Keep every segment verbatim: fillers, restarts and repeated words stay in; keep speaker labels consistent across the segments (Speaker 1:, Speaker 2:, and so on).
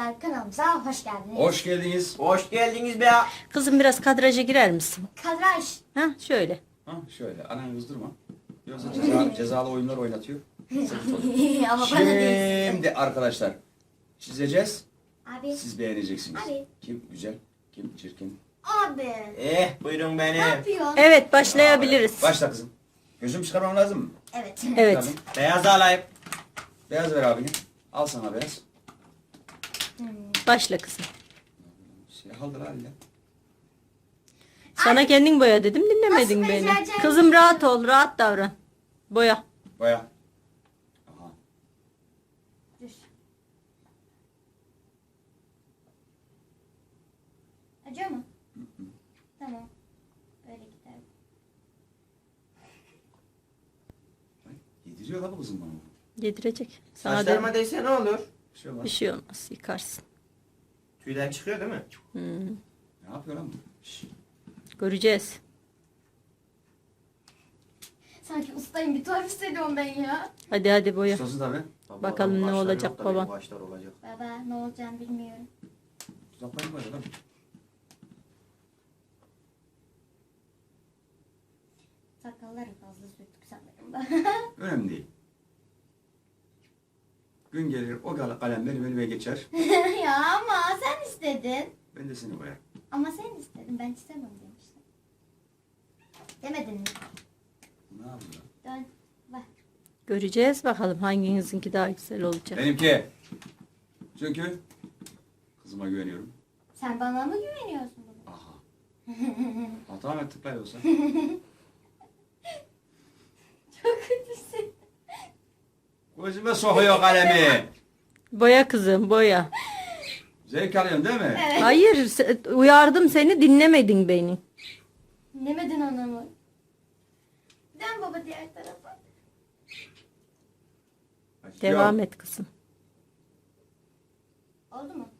Speaker 1: arkadaşlar, kanalımıza hoş geldiniz.
Speaker 2: Hoş geldiniz.
Speaker 3: Hoş geldiniz be ya.
Speaker 4: Kızım biraz kadraja girer misin?
Speaker 1: Kadraj.
Speaker 4: Ha şöyle.
Speaker 2: Ha şöyle ananı kızdırma. Yoksa ceza, cezalı oyunlar oynatıyor. Sıkıntı olur.
Speaker 1: Ama bana değil.
Speaker 2: Şimdi arkadaşlar çizeceğiz.
Speaker 1: Abi.
Speaker 2: Siz beğeneceksiniz.
Speaker 1: Abi.
Speaker 2: Kim güzel, kim çirkin.
Speaker 1: Abi.
Speaker 3: Eh buyurun
Speaker 1: Ne
Speaker 3: beni.
Speaker 1: yapıyorsun?
Speaker 4: Evet başlayabiliriz.
Speaker 2: Başla kızım. Gözüm çıkarmam lazım mı?
Speaker 1: Evet.
Speaker 4: Evet.
Speaker 2: Tabii.
Speaker 3: Beyaz alayım.
Speaker 2: Beyaz ver abine. Al sana beyaz.
Speaker 4: Başla kızım.
Speaker 2: Siyah aldır haliyle.
Speaker 4: Sana kendin boya dedim dinlemedin
Speaker 1: Nasıl
Speaker 4: beni.
Speaker 1: becereceğim?
Speaker 4: Kızım rahat ol, rahat davran. Boya.
Speaker 2: Baya. Aha.
Speaker 1: Dur. Acıyor mu? Tamam. Böyle gider.
Speaker 2: Ay, Yediriyor la bu kızım bana.
Speaker 4: Yedirecek. Sana
Speaker 3: Saçlarıma
Speaker 4: de
Speaker 3: değse ne olur?
Speaker 2: Bir şey var.
Speaker 4: bir şey olmaz, yıkarsın.
Speaker 3: Tüyden çıkıyor değil mi?
Speaker 4: Hmm.
Speaker 2: Ne yapıyor lan bu? Şşş.
Speaker 4: Göreceğiz.
Speaker 1: Sanki ustayım, bir tuhaf hissediyorum ben ya.
Speaker 4: Hadi hadi boya.
Speaker 2: Ustası tabii.
Speaker 3: Baba,
Speaker 4: Bakalım ne
Speaker 3: başları
Speaker 4: olacak
Speaker 3: yok da
Speaker 4: baba.
Speaker 3: benim Başlar olacak.
Speaker 1: Baba ne olacağını bilmiyorum.
Speaker 2: Uzaklayın böyle lan.
Speaker 1: Sakalları fazla sürttük sanırım da.
Speaker 2: Önemli değil. Gün gelir o kal- kalem benim elime geçer.
Speaker 1: Ya ama sen istedin.
Speaker 2: Ben de seni boyarım.
Speaker 1: Ama sen istedin, ben istemem demiştim. Demedin mi?
Speaker 2: Ne yapıyor?
Speaker 1: Dön. Bak.
Speaker 4: Göreceğiz bakalım hanginizinki daha güzel olacak.
Speaker 2: Benimki. Çünkü kızıma güveniyorum.
Speaker 1: Sen bana mı güveniyorsun baba?
Speaker 2: Aha. Hata mı tıklayı olsa?
Speaker 1: Çok kötüsün.
Speaker 2: Gözüme sokuyor kalemi.
Speaker 4: Boya kızım boya.
Speaker 2: Zevk alıyorsun değil mi?
Speaker 1: Evet.
Speaker 4: Hayır se- uyardım seni dinlemedin beni.
Speaker 1: Dinlemedin anamı. Dön baba diğer tarafa.
Speaker 4: Devam et kızım.
Speaker 1: Oldu mu?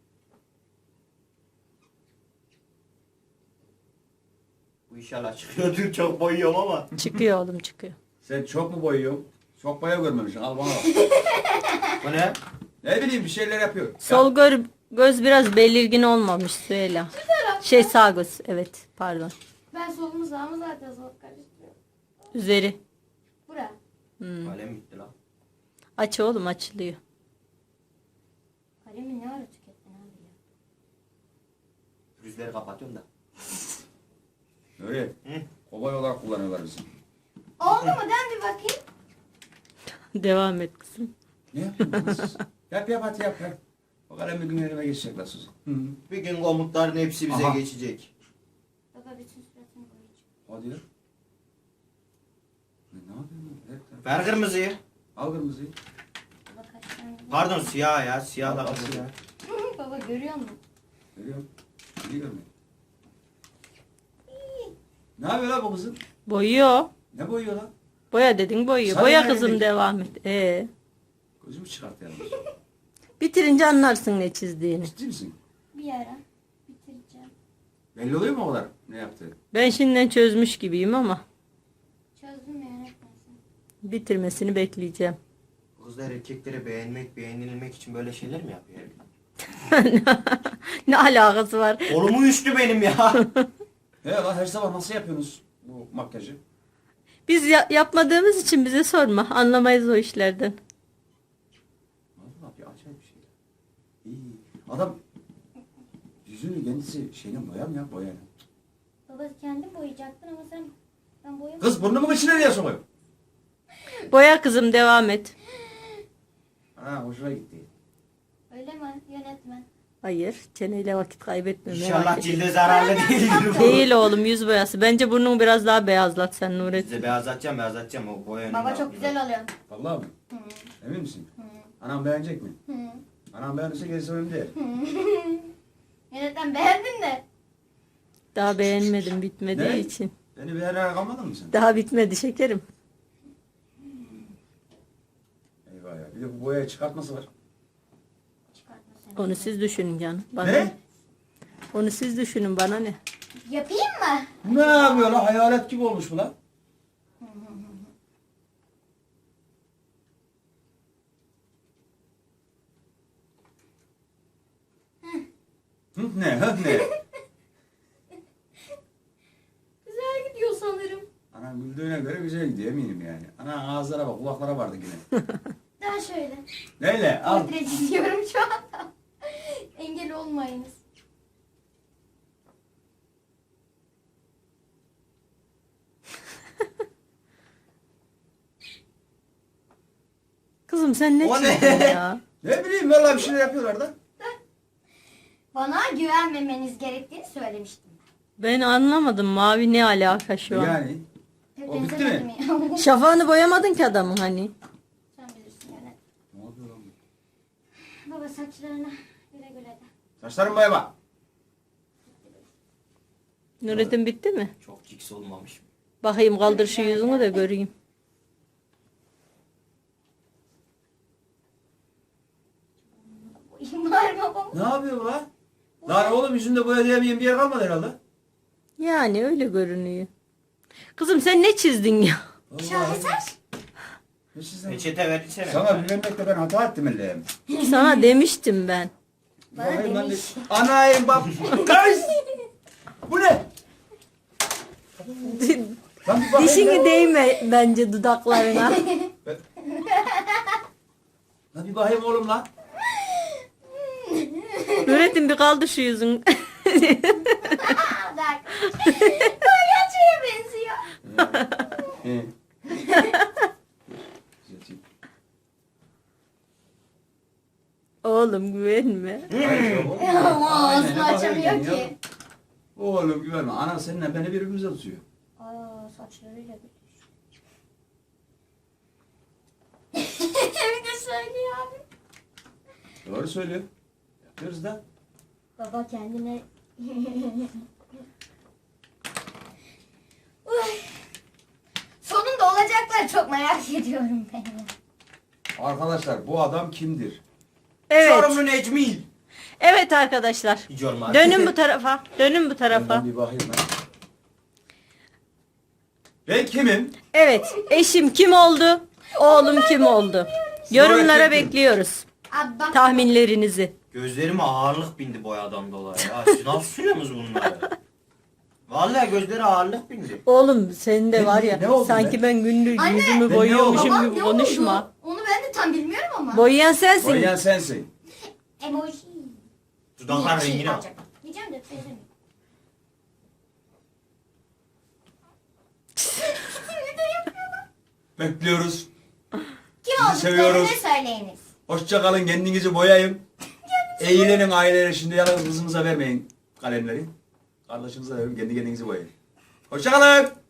Speaker 3: Bu inşallah çıkıyordur. Çok boyuyorum ama.
Speaker 4: Çıkıyor oğlum çıkıyor.
Speaker 2: Sen çok mu boyuyorsun? Çok boya görmemişsin. Al bana bak.
Speaker 3: Bu ne?
Speaker 2: Ne bileyim bir şeyler yapıyor.
Speaker 4: Sol gör, göz biraz belirgin olmamış Süheyla. Şey sağ göz evet pardon.
Speaker 1: Ben solumu sağımı zaten sol karıştırıyorum.
Speaker 4: Üzeri.
Speaker 1: Bura.
Speaker 4: Hmm.
Speaker 3: Kalem bitti lan.
Speaker 4: Aç oğlum açılıyor.
Speaker 1: Kalemi ne ara tükettin abi ya?
Speaker 3: Pürüzleri kapatıyorum da.
Speaker 2: Öyle.
Speaker 3: Hı?
Speaker 2: Kobay olarak kullanıyorlar bizi.
Speaker 1: Oldu mu? Dön bir bakayım.
Speaker 4: Devam et kızım.
Speaker 2: Ne yapıyorsunuz siz? Yap yap hadi yap yap. O kalem bir gün elime geçecek lan Suzi. Hı.
Speaker 3: Bir gün komutların hepsi bize
Speaker 2: Aha.
Speaker 3: geçecek.
Speaker 1: Baba bütün suratını boyayacağım.
Speaker 2: Hadi ya. Ne, ne yapıyorsun? Evet,
Speaker 3: Ver kırmızıyı.
Speaker 2: al kırmızıyı.
Speaker 1: Baba kaç tane?
Speaker 3: Pardon siyah ya. Siyah da
Speaker 2: Al, al,
Speaker 3: siyah.
Speaker 2: al.
Speaker 1: Baba görüyor musun?
Speaker 2: Görüyorum. İyi görmüyor. Ne yapıyor lan bu kızım?
Speaker 4: Boyuyor.
Speaker 2: Ne boyuyor lan?
Speaker 4: Boya dedin boyuyor.
Speaker 2: Sana
Speaker 4: Boya
Speaker 2: yani
Speaker 4: kızım
Speaker 2: değil.
Speaker 4: devam et. Ee,
Speaker 2: Gözümü çıkart yani.
Speaker 4: bitirince anlarsın ne çizdiğini.
Speaker 2: Ciddi misin?
Speaker 1: Bir ara bitireceğim.
Speaker 2: Belli oluyor mu o kadar ne yaptığı?
Speaker 4: Ben şimdiden çözmüş gibiyim ama
Speaker 1: Çözdüm ya öğretmensin.
Speaker 4: bitirmesini bekleyeceğim.
Speaker 3: Kızlar erkeklere beğenmek, beğenilmek için böyle şeyler mi yapıyor?
Speaker 4: Ne alakası var?
Speaker 3: Kolumu üştü benim ya.
Speaker 2: He lan her sabah nasıl yapıyorsunuz bu makyajı?
Speaker 4: Biz ya- yapmadığımız için bize sorma. Anlamayız o işlerden.
Speaker 2: Vallahi bir acayip bir şey. İyi. Adam yüzünü kendisi şeyle boyar mı ya boyayla?
Speaker 1: Baba kendin boyayacaktın ama sen ben boyamadım.
Speaker 2: Kız burnumun içine niye sokuyor?
Speaker 4: Boya kızım devam et.
Speaker 2: Ha hoşuna gitti.
Speaker 1: Öyle mi yönetmen?
Speaker 4: Hayır, çeneyle vakit kaybetme. merak
Speaker 3: İnşallah
Speaker 4: etme.
Speaker 3: cilde zararlı değildir bu.
Speaker 4: Değil oğlum yüz boyası. Bence burnunu biraz daha beyazlat sen Nurettin.
Speaker 3: Size beyazlatacağım beyazlatacağım o boya önünde
Speaker 1: Baba çok
Speaker 3: yapıyor.
Speaker 1: güzel oluyor.
Speaker 2: Vallahi mi?
Speaker 1: Hı.
Speaker 2: Emin misin?
Speaker 1: Hı.
Speaker 2: Anam beğenecek mi?
Speaker 1: Hı.
Speaker 2: Anam beğenirse gerisi önemli değil.
Speaker 1: Yönetmen beğendin de.
Speaker 4: Daha beğenmedim bitmediği
Speaker 2: Ne?
Speaker 4: için.
Speaker 2: Beni beğenerek almadın mı sen?
Speaker 4: Daha bitmedi şekerim.
Speaker 2: Eyvah ya. Bir de bu boyayı çıkartması var.
Speaker 1: Çıkartma sen.
Speaker 4: Onu siz düşünün canım. Bana
Speaker 2: Ne?
Speaker 4: ne? Onu siz düşünün bana ne?
Speaker 1: Yapayım mı?
Speaker 2: Bu ne yapıyor lan? Hayalet gibi olmuş bu lan. Hı ne? Hı ne?
Speaker 1: Güzel gidiyor sanırım.
Speaker 2: Ana güldüğüne göre güzel gidiyor eminim yani. Ana ağızlara bak, kulaklara vardı yine.
Speaker 1: Daha şöyle.
Speaker 2: Neyle? Al.
Speaker 1: Portre çiziyorum şu anda. Engel olmayınız.
Speaker 4: Kızım sen ne
Speaker 3: O ne?
Speaker 4: çizdin ya?
Speaker 2: Ne bileyim vallahi bir şeyler yapıyorlar da.
Speaker 1: Bana güvenmemeniz gerektiğini söylemiştim.
Speaker 4: Ben anlamadım mavi ne alaka şu an?
Speaker 2: Yani.
Speaker 1: Pek
Speaker 2: O bitti
Speaker 1: benzemedim
Speaker 2: mi?
Speaker 1: ya.
Speaker 4: Şafağını boyamadın ki adamın hani.
Speaker 1: Sen bilirsin yani.
Speaker 2: Ne yapıyor lan bu?
Speaker 1: Baba saçlarına güle güle de.
Speaker 2: Saçlarım boyama.
Speaker 4: Nurettin bitti mi?
Speaker 3: Çok ciks olmamış mı?
Speaker 4: Bakayım kaldır şu yüzünü de göreyim.
Speaker 1: Var babam.
Speaker 2: Ne yapıyor bu lan? Lan oğlum yüzünde boya diyemeyen bir yer kalmadı herhalde.
Speaker 4: Yani öyle görünüyor. Kızım sen ne çizdin ya?
Speaker 2: Vallahi.
Speaker 1: Şaheser.
Speaker 2: Ne çizdin?
Speaker 3: Peçete versene.
Speaker 2: Sana bilmemekle ben hata ettim elleyim.
Speaker 4: Sana demiştim ben.
Speaker 1: Bana
Speaker 2: Bakayım ben de-
Speaker 1: demiş.
Speaker 2: Anayım bak. Kız! Bu ne? Lan bir bakayım
Speaker 4: Dişini
Speaker 2: ya.
Speaker 4: değme bence dudaklarına.
Speaker 2: Lan bir bakayım oğlum lan.
Speaker 4: Nurettin bir kaldır şu yüzünü.
Speaker 1: Bak. Palyaçoya benziyor.
Speaker 2: He.
Speaker 4: Oğlum güvenme.
Speaker 1: Ama
Speaker 2: Aynen,
Speaker 1: ağzını
Speaker 2: bakayım
Speaker 1: açamıyor
Speaker 2: ya.
Speaker 1: ki.
Speaker 2: Oğlum güvenme. Anan seninle beni birbirimize tutuyor.
Speaker 1: Aa saçlarıyla birleşiyor. Bir de söylüyor abi.
Speaker 2: Doğru söylüyor. Yapıyoruz da.
Speaker 1: Baba kendine... Uy. Sonunda olacaklar çok merak ediyorum ben ya.
Speaker 2: Arkadaşlar bu adam kimdir?
Speaker 4: Evet.
Speaker 3: Çorumlu Necmi.
Speaker 4: Evet arkadaşlar.
Speaker 3: Hiç olmaz.
Speaker 4: Dönün bu tarafa. Dönün bu tarafa.
Speaker 2: Ben bir bakayım ben. Ben kimim?
Speaker 4: Evet. Eşim kim oldu? Oğlum kim oldu? Yorumlara bekliyoruz.
Speaker 1: Abi bak.
Speaker 4: Tahminlerinizi.
Speaker 3: Gözlerime ağırlık bindi boyadan dolayı. Ya siz nasıl sürüyorsunuz bunları? Vallahi gözlere ağırlık bindi.
Speaker 4: Oğlum senin de
Speaker 2: Ne-
Speaker 4: var ya
Speaker 2: ne oldu
Speaker 4: sanki ben günlük
Speaker 1: Anne.
Speaker 4: yüzümü
Speaker 2: Ben ne
Speaker 4: boyuyormuşum
Speaker 1: Babam
Speaker 4: gibi
Speaker 1: ne
Speaker 4: konuşma.
Speaker 1: oldu? Onu ben de tam bilmiyorum ama.
Speaker 4: Boyayan sensin.
Speaker 2: Boyayan sensin.
Speaker 1: Emoji.
Speaker 3: Dudaklar
Speaker 1: Şey
Speaker 3: rengine bak.
Speaker 1: olacak. Diyeceğim de söylemiyorum. Bir de yapıyorlar.
Speaker 2: Bekliyoruz.
Speaker 1: Kim
Speaker 2: Sizi seviyoruz.
Speaker 1: olduklarını söyleyiniz.
Speaker 2: Hoşça kalın, kendinizi boyayın. Eğlenin aileleri, şimdi yalnız kızınıza vermeyin kalemleri. Kardeşinize verin, kendi kendinizi boyayın. Hoşça kalın.